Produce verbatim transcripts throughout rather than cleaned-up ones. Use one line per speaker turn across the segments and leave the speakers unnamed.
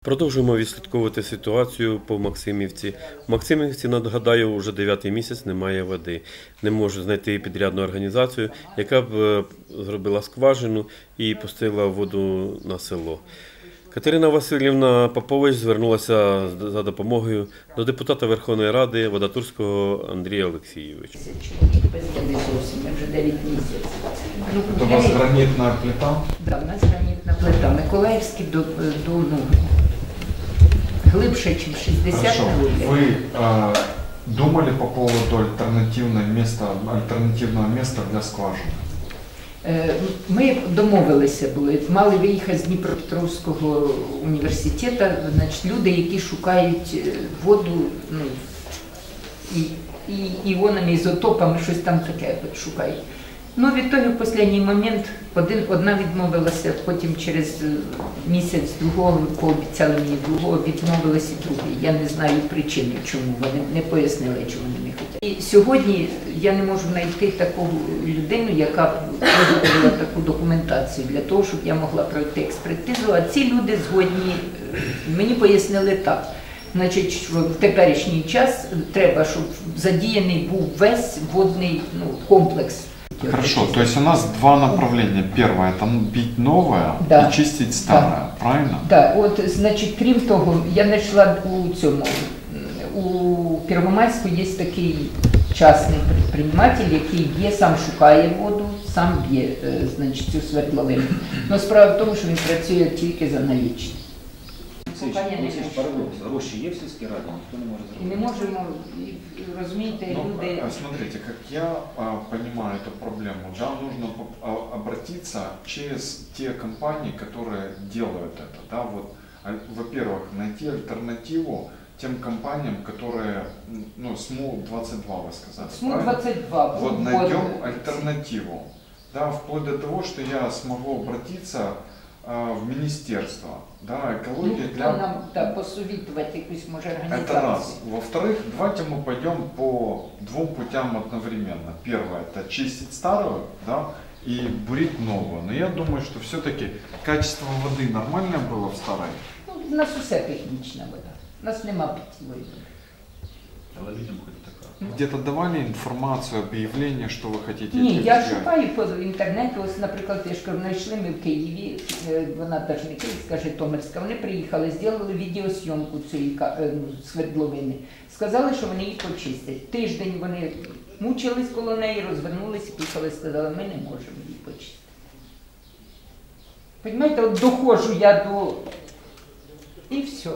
Продовжуємо відслідковувати ситуацію по Максимівці. В Максимівці, нагадаю, вже дев'ятий місяць немає води. Не можу знайти підрядну організацію, яка б зробила скважину і пустила воду на село. Катерина Васильівна Попович звернулася за допомогою до депутата Верховної Ради Вадатурського Андрія Олексійовича.
Без води зовсім, вже дев'ять місяців. Ну,
у вас гранітна плита?
Так, у нас гранітна плита. Миколаївський до, до ну, глибше, ніж шістдесят метрів.
Ви э, думали по поводу альтернативного міста, альтернативного міста для скважини?
Ми домовилися були, мали виїхати з Дніпропетровського університету, значить, люди, які шукають воду, ну, і, і іонами, ізотопами, щось там таке шукають. Ну, відтоді в останній момент один, одна відмовилася, потім через місяць другого, пообіцяли мені другого, відмовилася і другий. Я не знаю причини, чому, вони не пояснили, чому вони не хочуть. І сьогодні я не можу знайти таку людину, яка б виготовила таку документацію для того, щоб я могла пройти експертизу, а ці люди згодні, мені пояснили так. Значить, що в теперішній час треба, щоб задіяний був весь водний, ну, комплекс.
Хорошо, то есть у нас два направления. Первое – это бить новое, да, и чистить старое, да, правильно?
Да, от, значить, крім того, я знайшла у цьому, у Первомайську є такий частний підприємець, який б'є, сам шукає воду, сам б'є, значить, цю свердловину. Но справа в тому, що він працює тільки за налічні.
Гроші є в сільській раді, ніхто не може зробити.
І не можемо, розумієте,
ну,
люди...
Смотрите, как я а, понимаю эту проблему, да, нужно а, обратиться через те компании, которые делают это, да, вот, во-первых, найти альтернативу тем компаниям, которые, ну, СМУ двадцать два, вы сказали,
СМУ двадцать два,
вот, найдем альтернативу, да, вплоть до того, что я смогу обратиться в министерство, да, экология,
ну,
для...
нам, да, посоветовать якусь, может, организацию.
Это раз. Во-вторых, давайте мы пойдем по двум путям одновременно. Первое – это чистить старую, да, и бурить новую. Но я думаю, что все-таки качество воды нормальное было в старой.
Ну, у нас все технічна вода. У нас нема питьевой воды.
Але людям хоч така.
Где-то давали информацию, объявление, что вы хотите?
Ні, я шукаю по інтернету, ось, наприклад, я ж кажу, знайшли ми в Києві, вона теж не Київська, Житомирська, вони приїхали, зробили відеосйомку цієї свердловини, сказали, що вони її почистять. Тиждень вони мучились коло неї, розвернулися, поїхали, сказали, ми не можемо її почистити. Понимаєте, от доходжу я до... і все.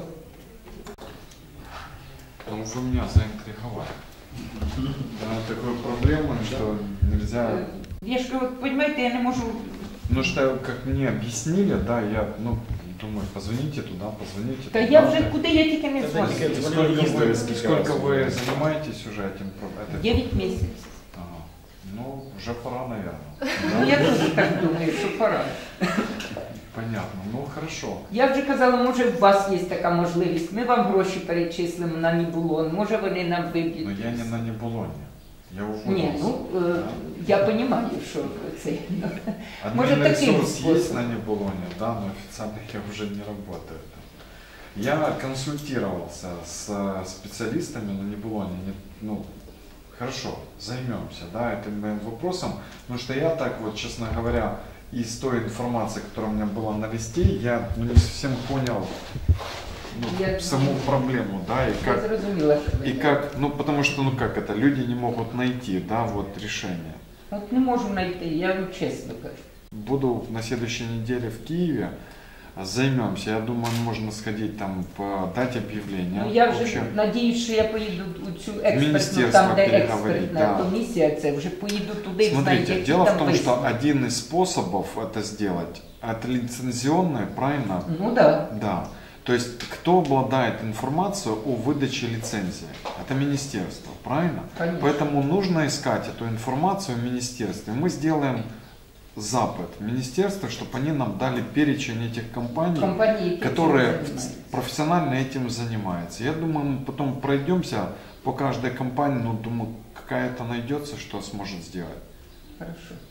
Ну, вы меня заинтриговали. Да, такой проблемой, что нельзя...
Я ж говорю, понимаете, я не могу...
Ну что, как мне объяснили, да, я, ну, думаю, позвоните туда, позвоните
да
туда.
я уже, куда я только не звоню.
Сколько вы, сколько вы занимаетесь уже этим проблемой?
девять месяцев.
Ага. Ну, уже пора, наверное.
Ну, я тоже так думаю, что пора.
Понятно, ну хорошо.
Я вже казала, може у вас є така можливість, ми вам гроші перечислимо на Нібулон, може вони нам виб'ють.
Но я не на Нібулоні, я уволился.
Ні, ну, да? Я розумію, що це.
Може таким способом. Есть на Нібулоні, да, но официально я уже не работаю. Я консультировался с специалистами на Нібулоні, ну, хорошо, займемся, да, этим моим вопросом, потому что я так вот, честно говоря, из той информации, которая у меня была на листе, я, ну, не совсем понял, ну, я, саму проблему, да, и как, и как, ну, потому что, ну, как это, люди не могут найти, да, вот, решение.
Вот не можем найти, я вам честно говорю.
Буду на следующей неделе в Киеве, займемся, я думаю, можно сходить там, дать объявление.
Ну, я вже надіюсь, що я поїду у цю експертну, там, де експертна
да.
комісія, це вже поїду туди.
Смотрите,
знаю,
дело в том,
висновки.
что один из способов это сделать, это лицензионное, правильно?
Ну да.
Да. То есть, кто обладает информацией о выдаче лицензии? Это министерство, правильно?
Конечно.
Поэтому нужно искать эту информацию в министерстве. Мы сделаем запад министерства, чтобы они нам дали перечень этих компаний,
компании,
которые профессионально этим занимаются. Я думаю, мы потом пройдемся по каждой компании, но думаю, какая-то найдется, что сможет сделать.
Хорошо.